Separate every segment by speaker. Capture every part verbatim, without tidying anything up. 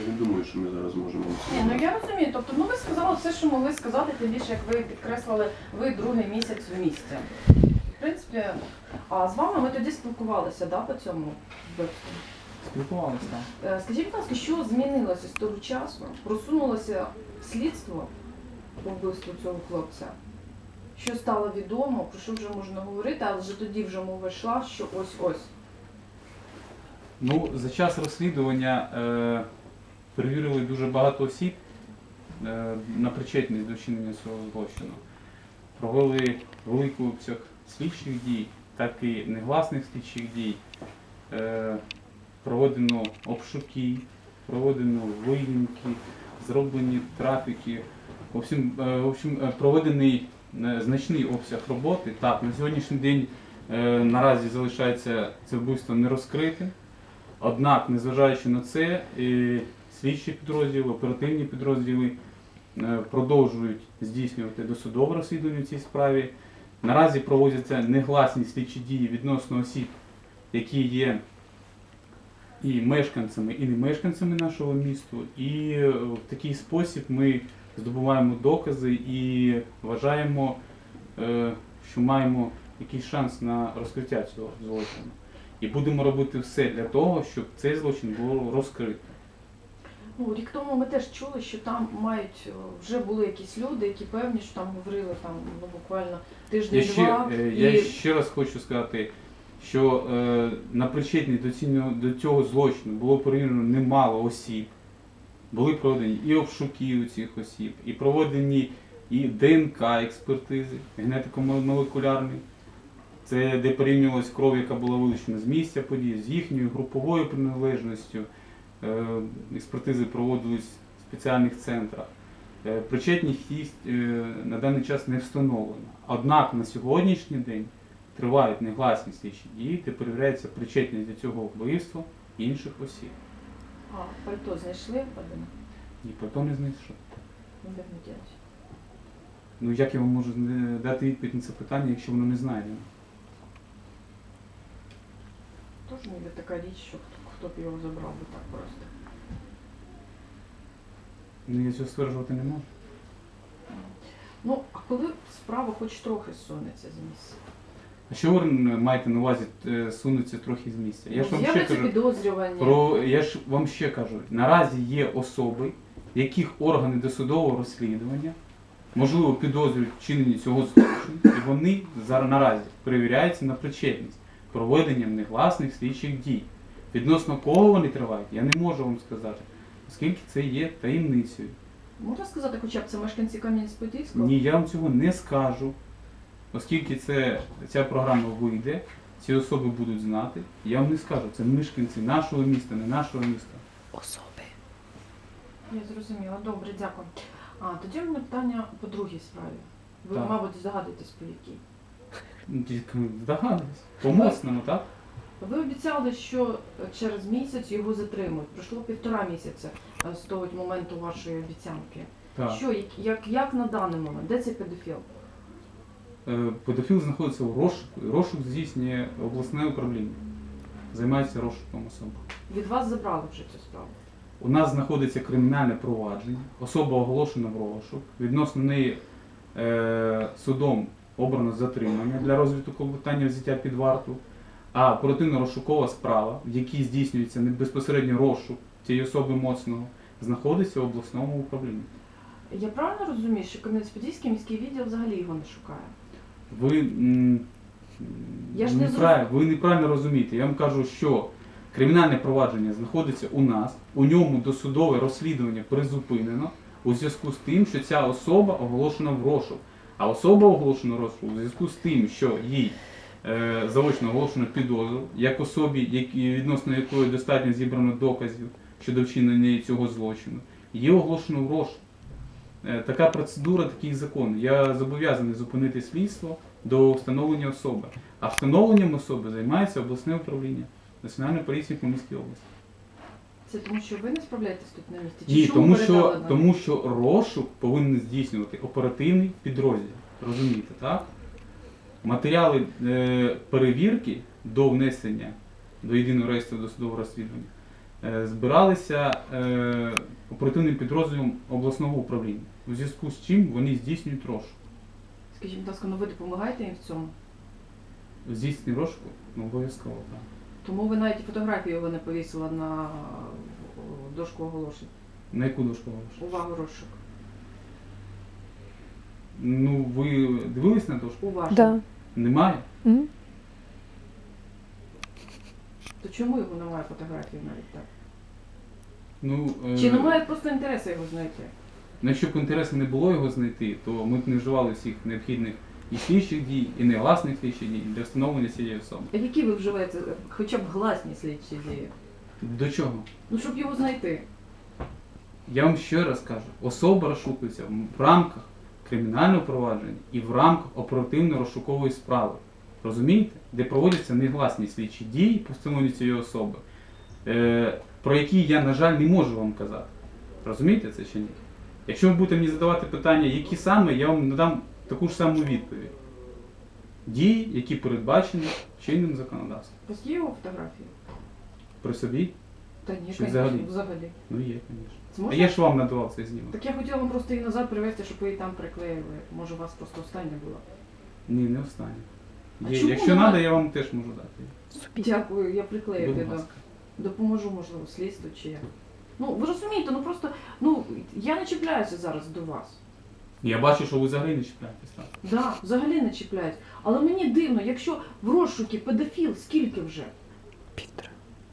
Speaker 1: не думаю, що ми зараз можемо...
Speaker 2: Ні, ну я розумію. Тобто, ну ви сказали все, що могли сказати, тим більше, як ви підкреслили, ви другий місяць в місті. В принципі, а з вами ми тоді спілкувалися, да, по цьому вбивству?
Speaker 3: Спілкувалися, так.
Speaker 2: Е, Скажіть, будь ласка, що змінилося з того часу? Просунулося слідство по вбивству цього хлопця? Що стало відомо, про що вже можна говорити, але вже тоді вже мова йшла, що ось-ось.
Speaker 3: Ну, за час розслідування е, перевірили дуже багато осіб е, на причетність до вчинення цього злочину. Провели великий обсяг слідчих дій, так і негласних слідчих дій. Е, проведено обшуки, проведено виїмки, зроблені трафіки. В общем, е, в общем, е, проведений е, значний обсяг роботи. Так, на сьогоднішній день е, наразі залишається це вбивство не розкритим. Однак, незважаючи на це, е, слідчі підрозділи, оперативні підрозділи е, продовжують здійснювати досудове розслідування в цій справі. Наразі проводяться негласні слідчі дії відносно осіб, які є і мешканцями, і не мешканцями нашого міста. І в такий спосіб ми здобуваємо докази і вважаємо, е, що маємо якийсь шанс на розкриття цього злочину. І будемо робити все для того, щоб цей злочин було розкрито.
Speaker 2: Ну, рік тому ми теж чули, що там мають, вже були якісь люди, які певні, що там говорили там, ну, буквально
Speaker 3: Я
Speaker 2: тиждень-два.
Speaker 3: ще, е,
Speaker 2: і...
Speaker 3: я ще раз хочу сказати, що е, на причетність до цього, до цього злочину було перевірено немало осіб. Були проведені і обшуки у цих осіб, і проведені і ДНК експертизи, генетико-молекулярні. Це де порівнювалась кров, яка була вилучена з місця події, з їхньою груповою приналежністю. Е, експертизи проводились в спеціальних центрах. Е, причетність їх е, на даний час не встановлена. Однак на сьогоднішній день тривають негласні слідчі дії, де перевіряється причетність до цього вбивства інших осіб.
Speaker 2: А, пальто знайшли Вадима?
Speaker 3: Ні, пальто не знайшов.
Speaker 2: Ну, як не ділять?
Speaker 3: Ну як я вам можу дати відповідь на це питання, якщо воно не знайдено?
Speaker 2: Тож ніби така річ, що хто, хто б його забрав би так просто.
Speaker 3: Ну я цього стверджувати не можу.
Speaker 2: Ну, а коли справа хоч трохи сунеться з місця?
Speaker 3: А що ви маєте на увазі е, сунуться трохи з місця? Я ж вам ще
Speaker 2: З'являться
Speaker 3: кажу,
Speaker 2: підозрювання.
Speaker 3: про, я ж вам ще кажу, наразі є особи, яких органи досудового розслідування, можливо, підозрюють вчинені цього злочину, і вони зараз наразі перевіряються на причетність проведенням негласних слідчих дій. Відносно кого вони тривають, я не можу вам сказати, оскільки це є таємницею.
Speaker 2: Можна сказати, хоча б це мешканці Кам'янець-Подільського?
Speaker 3: Ні, я вам цього не скажу, оскільки це, ця програма вийде, ці особи будуть знати, я вам не скажу, це мешканці нашого міста, не нашого міста.
Speaker 2: Особи. Я зрозуміла. Добре, дякую. А, тоді в мене питання по другій справі. Ви,
Speaker 3: Так.
Speaker 2: мабуть, здогадуєтесь, по якій.
Speaker 3: Ну, тільки здогадуюсь. По моцному, так?
Speaker 2: Ви обіцяли, що через місяць його затримують. Пройшло півтора місяця е, з того моменту вашої обіцянки.
Speaker 3: Так.
Speaker 2: Що, як, як, як на даний момент? Де цей педофіл?
Speaker 3: Е, Педофіл знаходиться в розшуку, і розшук здійснює обласне управління. Займається розшуком особи.
Speaker 2: Від вас забрали вже цю справу.
Speaker 3: У нас знаходиться кримінальне провадження, особа оголошена в розшук, відносно неї е, судом обрано затримання для розвитку питання взяття під варту, а оперативно-розшукова справа, в якій здійснюється безпосередньо розшук цієї особи моцного, знаходиться в обласному управлінні.
Speaker 2: Я правильно розумію, що Кам'янець-Подільський міський відділ взагалі його не шукає?
Speaker 3: Ви, м,
Speaker 2: Я ж не
Speaker 3: неправ- ви неправильно розумієте. Я вам кажу, що кримінальне провадження знаходиться у нас, у ньому досудове розслідування призупинено у зв'язку з тим, що ця особа оголошена в розшук. А особа оголошена в розшук у зв'язку з тим, що їй е, заочно оголошено підозру, як особі, які, відносно якої достатньо зібрано доказів щодо вчинення цього злочину, її оголошено в розшук. Е, така процедура, такий закон. Я зобов'язаний зупинити слідство до встановлення особи. А встановленням особи займається обласне управління Національної поліції по Міській області.
Speaker 2: Це тому, що ви не справляєтесь тут на місці? Чи
Speaker 3: Ні,
Speaker 2: чому
Speaker 3: тому
Speaker 2: передали
Speaker 3: що,
Speaker 2: нам?
Speaker 3: тому що розшук повинен здійснювати оперативний підрозділ. Розумієте, так? Матеріали е, перевірки до внесення до єдиного реєстру досудового розслідування е, збиралися е, оперативним підрозділом обласного управління. У зв'язку з чим вони здійснюють розшук.
Speaker 2: Скажіть, будь ласка, ну ви допомагаєте їм в цьому?
Speaker 3: Здійснюють розшуку? Ну, обов'язково, так.
Speaker 2: Тому ви навіть і фотографію його не повісили на о, дошку оголошень.
Speaker 3: На яку дошку оголошення?
Speaker 2: Увагу, розшук.
Speaker 3: Ну, ви дивились на дошку?
Speaker 2: Уважно.
Speaker 1: Да.
Speaker 3: Немає?
Speaker 1: М?
Speaker 2: То чому його немає фотографії навіть так?
Speaker 3: Ну, е,
Speaker 2: Чи немає просто інтересу його знайти?
Speaker 3: ну, якщо б інтересу не було його знайти, то ми б не вживали всіх необхідних і слідчих дій, і негласних слідчих дій для встановлення цієї особи.
Speaker 2: А які ви вживаєте хоча б гласні слідчі дії?
Speaker 3: До чого?
Speaker 2: Ну, щоб його знайти.
Speaker 3: Я вам ще раз кажу, особа розшукується в рамках кримінального провадження і в рамках оперативно-розшукової справи. Розумієте? Де проводяться негласні слідчі дії по встановленню цієї особи, е, про які я, на жаль, не можу вам казати. Розумієте це чи ні? Якщо ви будете мені задавати питання, які саме, я вам надам таку ж саму відповідь. Дії, які передбачені чинним законодавством.
Speaker 2: У вас є його фотографії?
Speaker 3: При собі?
Speaker 2: Та ні,
Speaker 3: Чи
Speaker 2: звісно,
Speaker 3: взагалі?
Speaker 2: взагалі.
Speaker 3: Ну є, звісно.
Speaker 2: Це
Speaker 3: А
Speaker 2: можна?
Speaker 3: я ж вам надавав цей знімок.
Speaker 2: Так я хотіла вам просто її назад привезти, щоб ви її там приклеїли. Може, у вас просто остання була.
Speaker 3: Ні, не останнє.
Speaker 2: А
Speaker 3: Є,
Speaker 2: чому
Speaker 3: якщо
Speaker 2: нема-
Speaker 3: треба, я вам теж можу дати.
Speaker 1: Собі.
Speaker 2: Дякую, я приклею
Speaker 3: Будь
Speaker 2: піду.
Speaker 3: ласка.
Speaker 2: Допоможу, можливо, слідству чи як. Ну, ви розумієте, ну просто, ну, я не чіпляюся зараз до вас.
Speaker 3: Я бачу, що ви взагалі не чіпляєтесь так.
Speaker 2: Да, взагалі не чіпляюсь. Але мені дивно, якщо в розшукі педофіл, скільки вже?
Speaker 1: Півтора.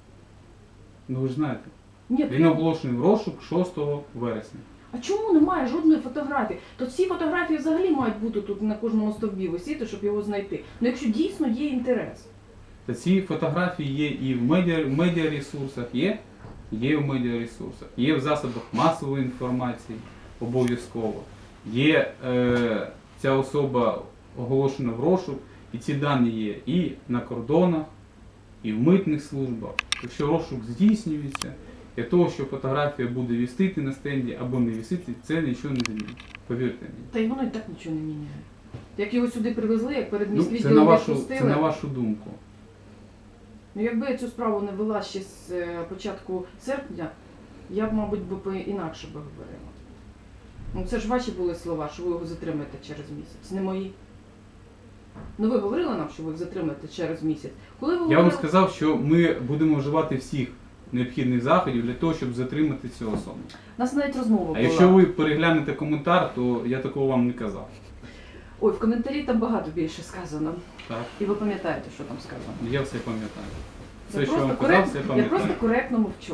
Speaker 3: Ну ви ж знаєте,
Speaker 2: Ні,
Speaker 3: він
Speaker 2: прям-
Speaker 3: оголошений в розшук шостого вересня.
Speaker 2: А чому немає жодної фотографії? То ці фотографії взагалі мають бути тут на кожному стовбі висіти, щоб його знайти. Ну якщо дійсно є інтерес.
Speaker 3: Та ці фотографії є і в медіа, в медіаресурсах, є, є в медіаресурсах, є в засобах масової інформації обов'язково. Є е, ця особа оголошена в розшук, і ці дані є і на кордонах, і в митних службах. Якщо розшук здійснюється, для того, що фотографія буде вісити на стенді або не вісити, це нічого не змінить. Повірте мені.
Speaker 2: Та й воно і так нічого не міняє. Як його сюди привезли, як перед
Speaker 3: Ну, це,
Speaker 2: міськвідділом
Speaker 3: на вашу,
Speaker 2: відпустили.
Speaker 3: це на вашу думку.
Speaker 2: Ну якби я цю справу не вела ще з е, початку серпня, я б, мабуть, би по- інакше би говорила. Ну це ж ваші були слова, що ви його затримаєте через місяць, не мої. Ну ви говорили нам, що ви їх затримаєте через місяць. Коли ви
Speaker 3: Я
Speaker 2: говорили...
Speaker 3: вам сказав, що ми будемо вживати всіх необхідних заходів для того, щоб затримати цю особу.
Speaker 2: У нас навіть розмова
Speaker 3: А
Speaker 2: була.
Speaker 3: якщо ви переглянете коментар, то я такого вам не казав.
Speaker 2: Ой, в коментарі там багато більше сказано.
Speaker 3: Так?
Speaker 2: І ви пам'ятаєте, що там сказано.
Speaker 3: Я все пам'ятаю.
Speaker 2: Я
Speaker 3: Все, що я
Speaker 2: просто
Speaker 3: вам казав,
Speaker 2: корект-
Speaker 3: все
Speaker 2: Я
Speaker 3: пам'ятаю.
Speaker 2: просто коректно мовчу.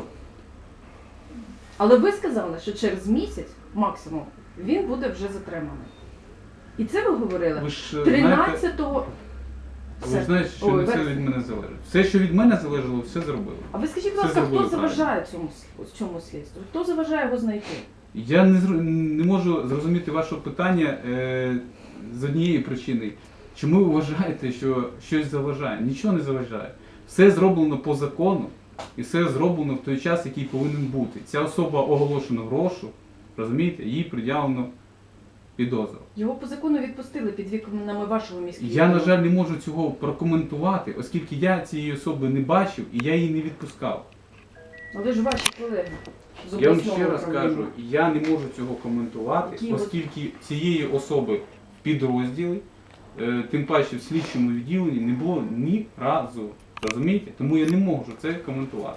Speaker 2: Але ви сказали, що через місяць, максимум, він буде вже затриманий. І це ви говорили
Speaker 3: Ви ж е, знаєте,
Speaker 2: тринадцятого
Speaker 3: ви ж знаєте, що
Speaker 2: Ой,
Speaker 3: не все
Speaker 2: вересня.
Speaker 3: від мене залежить. Все, що від мене залежало, все зробили.
Speaker 2: А ви скажіть, будь
Speaker 3: Все
Speaker 2: ласка, хто
Speaker 3: зробили
Speaker 2: заважає цьому, с- цьому слідству? Хто заважає його знайти?
Speaker 3: Я не, зр- не можу зрозуміти ваше питання е, з однієї причини. Чому ви вважаєте, що щось заважає? Нічого не заважає. Все зроблено по закону і все зроблено в той час, який повинен бути. Ця особа оголошена в розшук, розумієте, їй пред'явлено підозру.
Speaker 2: Його по закону відпустили під вікнами вашого міського.
Speaker 3: Я, на жаль, не можу цього прокоментувати, оскільки я цієї особи не бачив і я її не відпускав.
Speaker 2: Але ж ваші колеги з
Speaker 3: Я вам
Speaker 2: обласного
Speaker 3: ще раз
Speaker 2: управління.
Speaker 3: кажу, я не можу цього коментувати,
Speaker 2: Які ви-
Speaker 3: оскільки цієї особи в підрозділі, е, тим паче в слідчому відділенні, не було ні разу. Розумієте? Тому я не можу це коментувати.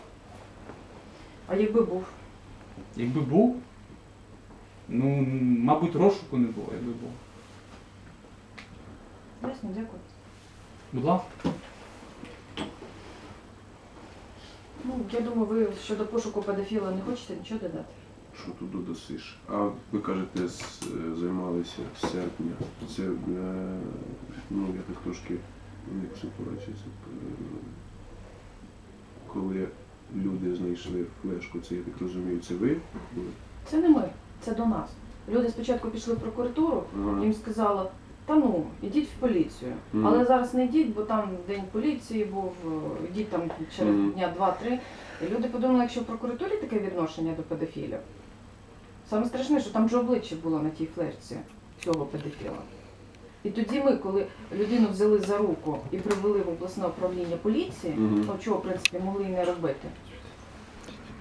Speaker 2: А якби був?
Speaker 3: Якби був, ну, м, мабуть, розшуку не було, якби був.
Speaker 2: Ясно, дякую.
Speaker 3: Будь ласка.
Speaker 2: Ну, я думаю, ви щодо пошуку педофіла не хочете нічого додати?
Speaker 4: Що тут додасиш? А ви кажете, з- е, займалися з серпня. Це, е, ну, я так трошки не психологічно. Коли люди знайшли флешку, це, я так розумію, це ви були?
Speaker 2: Це не ми, це до нас. Люди спочатку пішли в прокуратуру,
Speaker 4: Ага.
Speaker 2: їм сказали, та ну, ідіть в поліцію.
Speaker 4: Мгм.
Speaker 2: Але зараз не йдіть, бо там день поліції був, е, йдіть там через
Speaker 4: Мгм.
Speaker 2: дня два-три. І люди подумали, якщо в прокуратурі таке відношення до педофілів. Саме страшне, що там же обличчя було на тій флешці цього педофіла. І тоді ми, коли людину взяли за руку і привели в обласне управління поліції,
Speaker 4: Мгм.
Speaker 2: ну чого, в принципі, могли і не робити.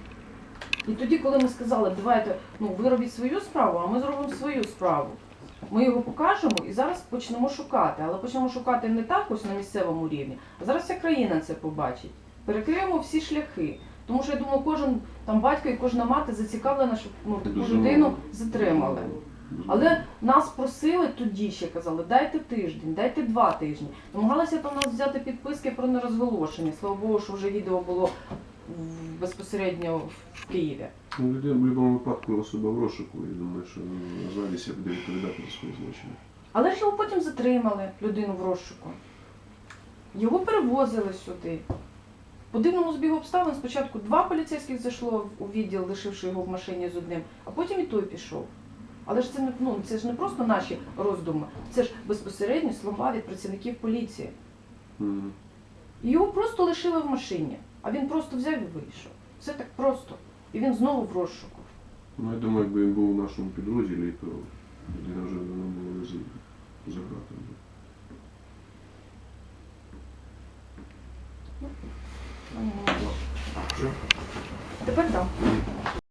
Speaker 2: І тоді, коли ми сказали, давайте, ну ви робіть свою справу, а ми зробимо свою справу. Ми його покажемо і зараз почнемо шукати. Але почнемо шукати не так ось на місцевому рівні, а зараз вся країна це побачить. Перекриємо всі шляхи. Тому що я думаю, кожен там батько і кожна мати зацікавлена, щоб ну, таку
Speaker 4: Безумовно.
Speaker 2: людину затримали.
Speaker 4: Безумовно.
Speaker 2: Але нас просили тоді ще казали, дайте тиждень, дайте два тижні. Намагалися там нас взяти підписки про нерозголошення. Слава Богу, що вже відео було в- безпосередньо в Києві.
Speaker 4: Ну, людина в будь-якому випадку особа в розшуку, я думаю, що назвалися буде відповідати за свої злочини.
Speaker 2: Але ж його потім затримали, людину в розшуку. Його перевозили сюди. По дивному збігу обставин спочатку два поліцейських зайшло у відділ, лишивши його в машині з одним, а потім і той пішов. Але ж це не, ну, це ж не просто наші роздуми, це ж безпосередньо слова від працівників поліції.
Speaker 4: Мгм.
Speaker 2: І його просто лишили в машині, а він просто взяв і вийшов. Все так просто. І він знову в розшуку.
Speaker 4: Ну, я думаю, якби він був у нашому підрозділі, то людина вже давно була б за, за ґратами.
Speaker 2: Ну, не могло.
Speaker 4: Що?
Speaker 2: Тепер так.